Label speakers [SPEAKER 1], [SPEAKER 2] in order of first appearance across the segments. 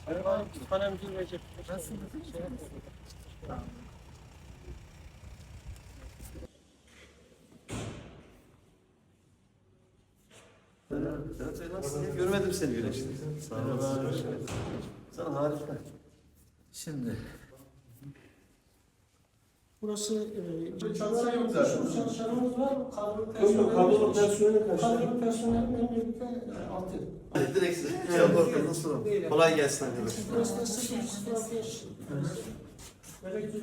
[SPEAKER 1] Merhaba, Kütüphane Müdürü Recep. Nasılsınız?
[SPEAKER 2] Nasılsın? Görmedim seni güneşte. Sağ olasın. Sana harika. Şimdi.
[SPEAKER 1] Burası
[SPEAKER 2] Çalışanım zaten.
[SPEAKER 1] çalışanımız var mı?
[SPEAKER 2] Kadro personeli kaç?
[SPEAKER 1] Kadro personelinin birlikte 6.
[SPEAKER 2] Direkt şey yaparken nasıl? Kolay gelsin arkadaşlar.
[SPEAKER 1] Burası da 005. Elektrik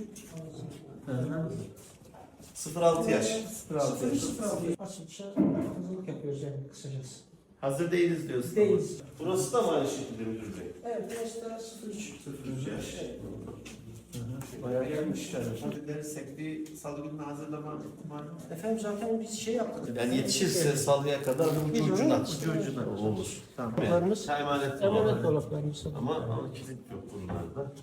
[SPEAKER 2] 06 yaş.
[SPEAKER 1] 006. Açılışa hazırlık yapıyoruz yani kısacası.
[SPEAKER 2] Hazır değiliz diyorsun.
[SPEAKER 1] Değiliz.
[SPEAKER 2] Burası da mı aynı şekilde müdür bey?
[SPEAKER 1] Evet, burası da 03.
[SPEAKER 2] 03 yaş. Bayağı gelmiş yani. Müdürlerin sektiği salı gününe hazırlama ihtimali var.
[SPEAKER 1] Efendim zaten biz şey yaptık.
[SPEAKER 2] Yani yetişirse salıya kadar ucu ucuna. Olur.
[SPEAKER 1] Tamam. Dolaplarımız,
[SPEAKER 2] Emanet
[SPEAKER 1] emanet dolaplarımız.
[SPEAKER 2] ama kilit yok bunlarda.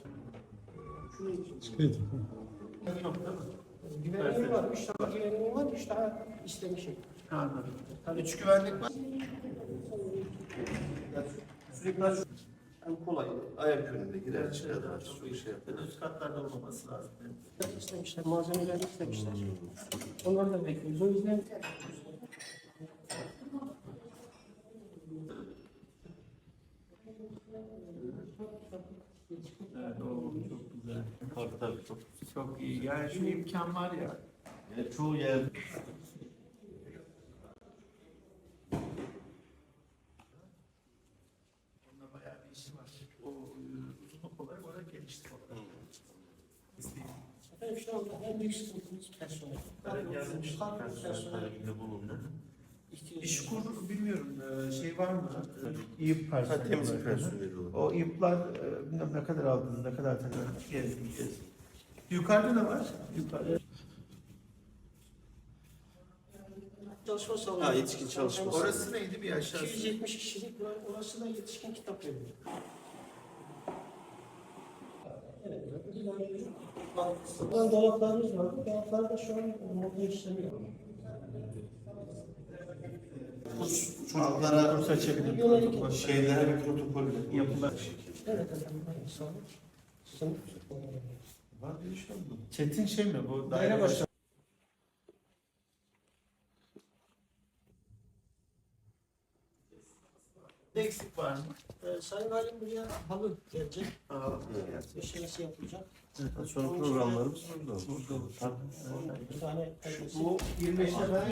[SPEAKER 1] Güvenliği var, 3 tane güvenliği var, 3 daha istemişim.
[SPEAKER 2] Anladım. Tabii 3 güvenlik var. Sürekli en kolay ayak önünde girer çıkar daha çok şey yapar. Üst katlarda olmaması lazım.
[SPEAKER 1] İstemişler, malzemeleri istemişler. Onları da bekliyoruz. O yüzden
[SPEAKER 3] Evet, o çok güzel.
[SPEAKER 2] Tabii çok.
[SPEAKER 3] Çok iyi. Yani şu imkan var ya.
[SPEAKER 2] Çoğu yer
[SPEAKER 3] Onda bayağı bir işi var. O uzun olarak oraya gelişti.
[SPEAKER 1] efendim şu anda en büyük sıkıntımız personel.
[SPEAKER 2] talebinde bulundu.
[SPEAKER 3] İşkur bilmiyorum şey var mı? İYİP personeli.
[SPEAKER 2] Temizlik personeli olur.
[SPEAKER 3] O İYİP'lar bilmem ne kadar aldınız, ne kadar tanıyor? Gezdim. Yukarıda ne var? Yukarıda.
[SPEAKER 1] Çalışma salonu.
[SPEAKER 2] Ha, yetişkin çalışma salonu.
[SPEAKER 3] Orası neydi bir aşağısı?
[SPEAKER 1] 270 kişilik var. Orası da yetişkin kitap evi. Evet. Buradan dolaplarımız var. Dolaplar da şu an modda işlemiyor.
[SPEAKER 2] Çocuklara
[SPEAKER 3] Kurs açabilir.
[SPEAKER 1] Yönelik.
[SPEAKER 2] şeyler bir protokol
[SPEAKER 3] Yapılar.
[SPEAKER 1] Evet efendim. Sağ olun. Sınıf.
[SPEAKER 2] var diye şey oldu.
[SPEAKER 3] Çetin şey mi bu?
[SPEAKER 1] Daire başkanı.
[SPEAKER 3] Ne eksik var mı?
[SPEAKER 1] Sayın Valim buraya halı gelecek.
[SPEAKER 3] Aa,
[SPEAKER 1] Döşemesi yapılacak.
[SPEAKER 2] Sonra programlarımız burada olur.
[SPEAKER 3] burada olur.
[SPEAKER 1] Bir tane
[SPEAKER 3] Bu 25'te ben